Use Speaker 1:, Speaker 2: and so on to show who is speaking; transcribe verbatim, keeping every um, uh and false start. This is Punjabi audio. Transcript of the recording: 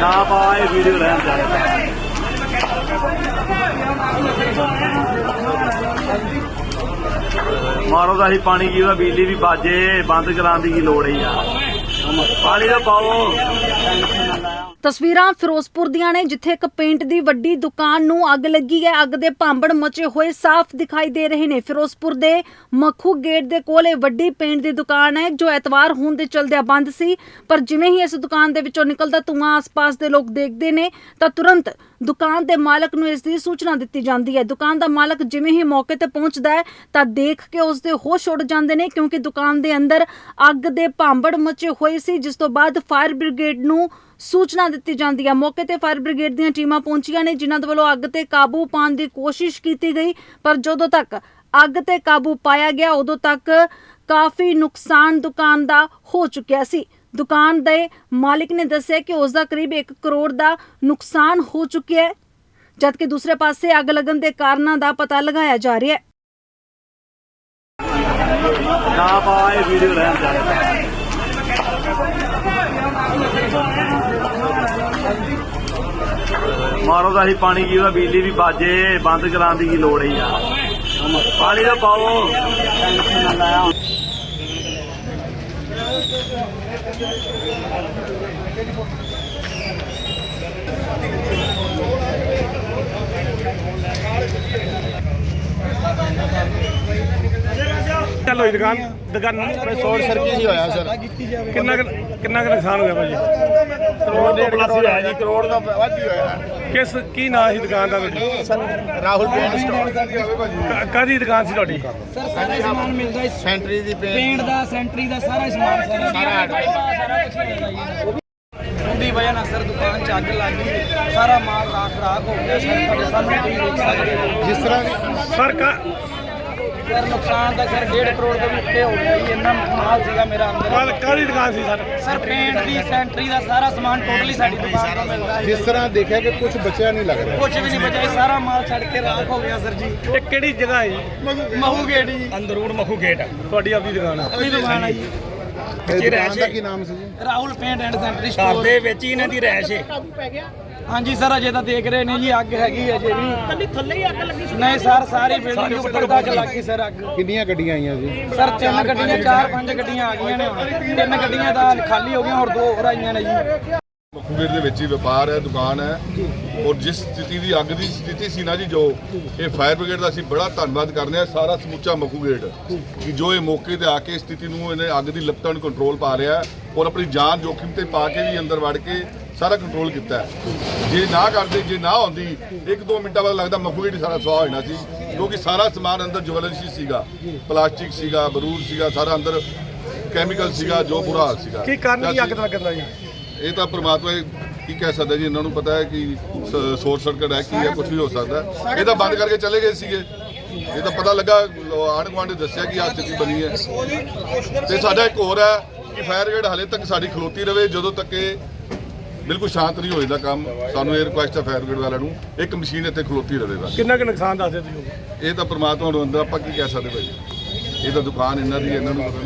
Speaker 1: ना पाए वीडियो लैन जाए मारो तो अं पानी की बिजली भी बाजे बंद कराने की लोड़ ही आ पानी तो पाओ।
Speaker 2: ਤਸਵੀਰਾਂ ਫਿਰੋਜ਼ਪੁਰ ਦੀਆਂ ਨੇ ਜਿੱਥੇ ਇੱਕ ਪੇਂਟ ਦੀ ਵੱਡੀ ਦੁਕਾਨ ਨੂੰ ਅੱਗ ਲੱਗੀ ਹੈ। ਅੱਗ ਦੇ ਭਾਂਬੜ ਮਚੇ ਹੋਏ ਸਾਫ਼ ਦਿਖਾਈ ਦੇ ਰਹੇ ਨੇ। ਫਿਰੋਜ਼ਪੁਰ ਦੇ ਮੱਖੂ ਗੇਟ ਦੇ ਕੋਲ ਇਹ ਵੱਡੀ ਪੇਂਟ ਦੀ ਦੁਕਾਨ ਹੈ ਜੋ ਐਤਵਾਰ ਹੋਣ ਦੇ ਚਲਦਿਆਂ ਬੰਦ ਸੀ, ਪਰ ਜਿਵੇਂ ਹੀ ਇਸ ਦੁਕਾਨ ਦੇ ਵਿੱਚੋਂ ਨਿਕਲਦਾ ਧੂੰਆਂ ਆਸ-ਪਾਸ ਦੇ ਲੋਕ ਦੇਖਦੇ ਨੇ ਤਾਂ ਤੁਰੰਤ ਦੁਕਾਨ ਦੇ ਮਾਲਕ ਨੂੰ ਇਸ ਦੀ ਸੂਚਨਾ ਦਿੱਤੀ ਜਾਂਦੀ ਹੈ। ਦੁਕਾਨ ਦਾ ਮਾਲਕ ਜਿਵੇਂ ਹੀ ਮੌਕੇ ਤੇ ਪਹੁੰਚਦਾ ਹੈ ਤਾਂ ਦੇਖ ਕੇ ਉਸ ਦੇ ਹੋਸ਼ ਉੱਡ ਜਾਂਦੇ ਨੇ ਕਿਉਂਕਿ ਦੁਕਾਨ ਦੇ ਅੰਦਰ ਅੱਗ ਦੇ ਭਾਂਬੜ ਮਚੇ ਹੋਏ ਸੀ, ਜਿਸ ਤੋਂ ਬਾਅਦ ਫਾਇਰ ਬ੍ਰਿਗੇਡ ਨੂੰ सूचना दी जाती है। मौके पर फायर ब्रिगेड ਦੀਆਂ ਟੀਮਾਂ ਪਹੁੰਚੀਆਂ ਨੇ ਜਿਨ੍ਹਾਂ ਦੇ ਵੱਲੋਂ ਅੱਗ ਤੇ ਕਾਬੂ ਪਾਉਣ ਦੀ ਕੋਸ਼ਿਸ਼ ਕੀਤੀ ਗਈ, ਪਰ ਜਦੋਂ ਤੱਕ ਅੱਗ ਤੇ ਕਾਬੂ ਪਾਇਆ ਗਿਆ ਉਦੋਂ ਤੱਕ ਕਾਫੀ ਨੁਕਸਾਨ ਦੁਕਾਨ ਦਾ ਹੋ ਚੁੱਕਿਆ ਸੀ। ਦੁਕਾਨ ਦੇ ਮਾਲਿਕ ਨੇ ਦੱਸਿਆ ਕਿ ਉਸ ਦਾ ਕਰੀਬ ਇੱਕ ਕਰੋੜ ਦਾ ਨੁਕਸਾਨ ਹੋ ਚੁੱਕਿਆ ਹੈ, ਜਦਕਿ ਦੂਸਰੇ ਪਾਸੇ ਅੱਗ ਲੱਗਣ ਦੇ ਕਾਰਨਾਂ ਦਾ ਪਤਾ ਲਗਾਇਆ ਜਾ ਰਿਹਾ ਹੈ।
Speaker 1: ना पाए वीडियो लैन जाए मारो तो अं पानी की बिजली भी बाजे बंद कराने की लोड़ ही आ पानी तो पाओ।
Speaker 3: चलो दुकान दुकान
Speaker 4: शॉर्ट सर्किट ही होया सर।
Speaker 3: कितना कितना नुकसान हो गया भाजी?
Speaker 4: करोड़ डेढ़ करोड़ है जी, करोड़ का ਵੱਧ ਹੀ ਹੋਇਆ।
Speaker 3: किस की ना सी दुकान का ਤੁਹਾਡੀ?
Speaker 4: Sir Rahul paint store.
Speaker 3: ਕਾਹਦੀ ਦੁਕਾਨ ਸੀ ਤੁਹਾਡੀ?
Speaker 5: ਸਰ ਸਾਰਾ ਸਮਾਨ ਮਿਲਦਾ ਇਸ
Speaker 4: ਸੈਂਟਰੀ ਦੀ ਪੇਂਟ
Speaker 5: ਪੇਂਟ ਦਾ ਸੈਂਟਰੀ ਦਾ ਸਾਰਾ ਸਮਾਨ ਸਾਰਾ
Speaker 4: ਸਾਰਾ
Speaker 5: ਸਾਰਾ ਕੁਝ ਮਿਲਦਾ ਜੀ। ਉਹਦੀ ਵਜ੍ਹਾ ਨਾਲ ਸਰ ਦੁਕਾਨ 'ਚ ਅੱਗ ਲੱਗ ਗਈ, ਸਾਰਾ ਮਾਲ ਰਾਖ ਰਾਖ ਹੋ ਗਿਆ ਸਰ। ਤੁਹਾਡੇ ਸਾਹਮਣੇ ਤੁਸੀਂ ਦੇਖ ਸਕਦੇ ਹੋ
Speaker 4: ਜਿਸ ਤਰ੍ਹਾਂ
Speaker 3: ਸਰ ਕਾ
Speaker 5: ਸਰ ਨੁਕਸਾਨ ਤਾਂ ਸਰ ਡੇਢ ਕਰੋੜ ਦੇ ਉੱਤੇ ਹੋ ਗਿਆ ਜੀ। ਇੰਨਾ ਮਾਲ ਸੀਗਾ ਮੇਰਾ ਅੰਦਰ।
Speaker 3: ਕਾਹਦੀ ਦੁਕਾਨ ਸੀ ਸਰ?
Speaker 5: ਸਰ ਪੇਂਟ ਦੀ ਸੈਂਟਰੀ ਦਾ ਸਾਰਾ ਸਮਾਨ ਟੋਟਲੀ ਸਾਡੀ ਦੁਕਾਨ ਤੋਂ ਮਿਲਦਾ ਹੈ।
Speaker 4: ਜਿਸ ਤਰ੍ਹਾਂ ਦੇਖਿਆ ਕਿ ਕੁਝ ਬਚਿਆ ਨਹੀਂ ਲੱਗ ਰਿਹਾ।
Speaker 5: ਕੁਝ ਵੀ ਨਹੀਂ ਬਚਿਆ, ਸਾਰਾ ਮਾਲ ਛੱਡ ਕੇ ਰਾਖ ਹੋ ਗਿਆ ਸਰ ਜੀ।
Speaker 3: ਇਹ ਕਿਹੜੀ ਜਗ੍ਹਾ ਹੈ ਜੀ?
Speaker 5: ਮਹੂ ਗੇਟ ਜੀ,
Speaker 3: ਅੰਦਰੂਨ ਮੱਖੂ ਗੇਟ ਤੁਹਾਡੀ ਆਪਣੀ ਦੁਕਾਨ ਹੈ?
Speaker 5: ਆਪਣੀ ਦੁਕਾਨ ਹੈ ਜੀ।
Speaker 4: ਇਹ ਦੁਕਾਨ ਦਾ ਕੀ ਨਾਮ ਸੀ ਜੀ?
Speaker 5: Rahul paint and sanitary store ਦੇ ਵਿੱਚ ਹੀ ਇਹਨਾਂ ਦੀ ਰਹਿائش ਹੈ। ਹਾਂਜੀ ਸਰ ਅਜੇ ਤਾਂ ਦੇਖ ਰਹੇ ਨੇ ਜੀ, ਅੱਗ ਹੈਗੀ ਅਜੇ ਵੀ। ਕੱਲੀ ਥੱਲੇ ਹੀ ਅੱਗ ਲੱਗੀ ਸੀ? ਨਹੀਂ ਸਰ ਸਾਰੀ ਬਿਲਡਿੰਗ ਉੱਪਰ ਤੱਕ ਲੱਗੀ ਸਰ ਅੱਗ।
Speaker 4: ਕਿੰਨੀਆਂ ਗੱਡੀਆਂ ਆਈਆਂ ਜੀ?
Speaker 5: ਸਰ ਤਿੰਨ ਗੱਡੀਆਂ ਚਾਰ ਪੰਜ ਗੱਡੀਆਂ ਆ ਗਈਆਂ ਨੇ ਹੁਣ। ਤਿੰਨ ਗੱਡੀਆਂ ਤਾਂ ਖਾਲੀ ਹੋ ਗਈਆਂ, ਹੋਰ ਦੋ ਹੋਰ ਆਈਆਂ ਨੇ ਜੀ।
Speaker 6: ਮੱਖੂਗੇਟ ਦੇ ਵਿੱਚ ਹੀ ਵਪਾਰ ਹੈ, ਦੁਕਾਨ ਹੈ, ਔਰ ਜਿਸ ਸਥਿਤੀ ਦੀ ਅੱਗ ਦੀ ਸਥਿਤੀ ਸੀ ਨਾ ਜੀ, ਜੋ ਇਹ ਫਾਇਰ ਬ੍ਰਿਗੇਡ ਦਾ ਅਸੀਂ ਬੜਾ ਧੰਨਵਾਦ ਕਰਨੇ ਆ ਸਾਰਾ ਸਮੁੱਚਾ ਮੱਖੂਗੇਟ ਕਿ ਜੋ ਇਹ ਮੌਕੇ ਤੇ ਆ ਕੇ ਸਥਿਤੀ ਨੂੰ ਇਹਨੇ ਅੱਗ ਦੀ ਲਪਟਾਂ ਨੂੰ ਕੰਟਰੋਲ ਪਾ ਰਿਹਾ ਔਰ ਆਪਣੀ ਜਾਨ ਜੋਖਿਮ ਤੇ ਪਾ ਕੇ ਵੀ ਅੰਦਰ ਵੜ ਕੇ ਸਾਰਾ ਕੰਟਰੋਲ ਕੀਤਾ ਹੈ। ਜੇ ਨਾ ਕਰਦੇ, ਜੇ ਨਾ ਹੁੰਦੀ ਇੱਕ ਦੋ ਮਿੰਟਾਂ ਬਾਅਦ ਲੱਗਦਾ ਮੱਖੂਗੇਟ ਸਾਰਾ ਸੁਆਹ ਹੋ ਜਾਣਾ ਸੀ, ਕਿਉਂਕਿ ਸਾਰਾ ਸਮਾਨ ਅੰਦਰ ਜਵਲਨਸ਼ੀ ਸੀਗਾ, ਪਲਾਸਟਿਕ ਸੀਗਾ, ਬਰੂਦ ਸੀਗਾ, ਸਾਰਾ ਅੰਦਰ ਕੈਮੀਕਲ ਸੀਗਾ, ਜੋ ਬੁਰਾ ਹਾਲ ਸੀਗਾ।
Speaker 3: ਕੀ ਕਾਰਨ ਕੀ ਅੱਗ ਦਾ ਲੱਗਣ ਦਾ ਜੀ?
Speaker 6: ਇਹ ਤਾਂ ਪ੍ਰਮਾਤਮਾ ਕੀ ਕਹਿ ਸਕਦਾ ਜੀ, ਇਹਨਾਂ ਨੂੰ ਪਤਾ ਹੈ ਕਿ ਸ਼ੋਰਟ ਸਰਕਟ ਹੈ, ਕੀ ਹੈ, ਕੁਝ ਵੀ ਹੋ ਸਕਦਾ। ਇਹ ਤਾਂ ਬੰਦ ਕਰਕੇ ਚਲੇ ਗਏ ਸੀਗੇ, ਇਹ ਤਾਂ ਪਤਾ ਲੱਗਾ ਆਂਢ ਗੁਆਂਢ ਨੇ ਦੱਸਿਆ ਕਿ ਆਹ ਸਥਿਤੀ ਬਣੀ ਹੈ। ਤੇ ਸਾਡਾ ਇੱਕ ਹੋਰ ਹੈ ਕਿ ਫਾਇਰ ਬ੍ਰਿਗੇਡ ਹਾਲੇ ਤੱਕ ਸਾਡੀ ਖਲੋਤੀ ਰਵੇ ਜਦੋਂ ਤੱਕ ਇਹ ਬਿਲਕੁਲ ਸ਼ਾਂਤ ਨਹੀਂ ਹੋ ਜਾਂਦਾ ਕੰਮ। ਸਾਨੂੰ ਇਹ ਰਿਕੁਐਸਟ ਹੈ ਫਾਇਰ ਬ੍ਰਿਗੇਡ ਵਾਲਿਆਂ ਨੂੰ, ਇੱਕ ਮਸ਼ੀਨ ਇੱਥੇ ਖਲੋਤੀ ਰਵੇ ਬਸ।
Speaker 3: ਕਿੰਨਾ ਕੁ ਨੁਕਸਾਨ ਦੱਸਦੇ ਤੁਸੀਂ?
Speaker 6: ਇਹ ਤਾਂ ਪ੍ਰਮਾਤਮਾ ਨੂੰ ਅੰਦਰ ਆਪਾਂ ਕੀ ਕਹਿ ਸਕਦੇ ਭਾਈ, ਇਹ ਤਾਂ ਦੁਕਾਨ ਇਹਨਾਂ ਦੀ, ਇਹਨਾਂ ਨੂੰ